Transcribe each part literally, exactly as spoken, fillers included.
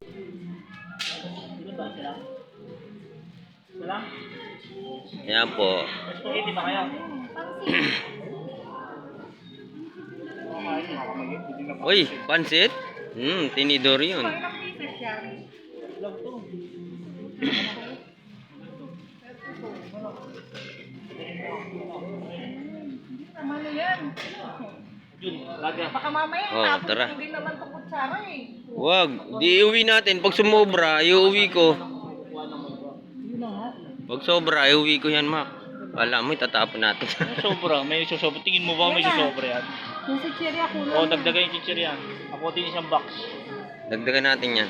Dito ba sila? Sila? Ayan po. Spaghetti ba kayo? Uy, pansit? Hmm, tinidor yun. Ilang pieces yan? Vlog to. Tama na yan. Yun, laga. Baka mamaya, Oh, tapos tara. hindi naman ito kutsara eh. Wag, di iuwi natin. Pag sumobra, iuwi ko. Yun na nga. Pag sobra, iuwi ko yan, Mac. Wala mo, itatapon natin. Sobra, may susobra. Tingin mo ba may susobra yan? Yung si Cherry ako lang. O, dagdagan yung chichir yan. Ako din isang box. Dagdagan natin yan.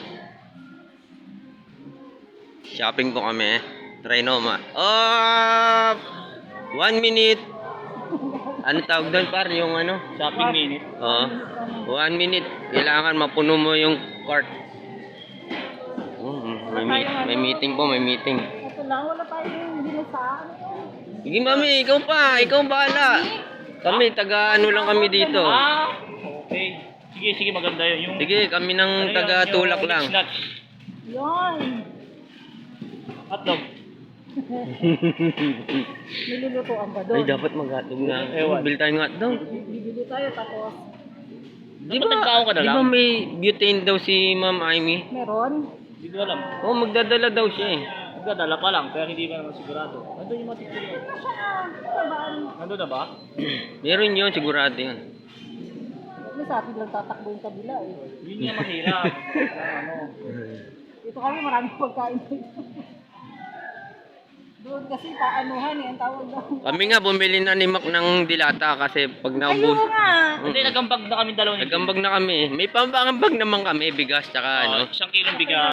Shopping po kami. Trinoma. Oh! One minute. Ano tawag doon, par? Yung ano? Shopping minute. Oo. One minute. Kailangan mapuno mo yung cart. Oh, may, mi- may meeting po, may meeting. Ito lang, wala tayong ginasaan. Sige, mami, ikaw pa. Ikaw bahala. Kami, taga ano lang kami dito. Ah, okay. Sige, sige, maganda yun. Yung, Sige, kami ng ano yun, taga tulak yung lang. mixed nuts. Yan. Hotdog. Nilulutuan ka doon. Ay, dapat mag-hotdog na. Ewan. Bil tayong hotdog. Bibili tayo tapos Di Dapat nagbaon ka ba, na di lang? ba may butane daw si Ma'am Amy? meron. Hindi ko alam. Oo, oh, magdadala daw siya eh. Nagdadala pa lang, kaya hindi pa naman sigurado. Nandun yung mga chichir. Ito siya ah. Sabaan. Nandun na ba? Meron yun, sigurado yun. May sa atin lang tatakbo yung kabila eh. Yun yung mahirap. Ah, ano. Ito kami maraming pagkain dito. Doon kasi paanuhan eh, ang tawag daw. Kami nga, bumili na ni Mac ng dilata kasi pag Ayun naubos. nga. Hindi, nagambag na kami dalawa ni Nagambag na kami. May pambangambag naman kami, bigas tsaka ano. Isang kilong bigas.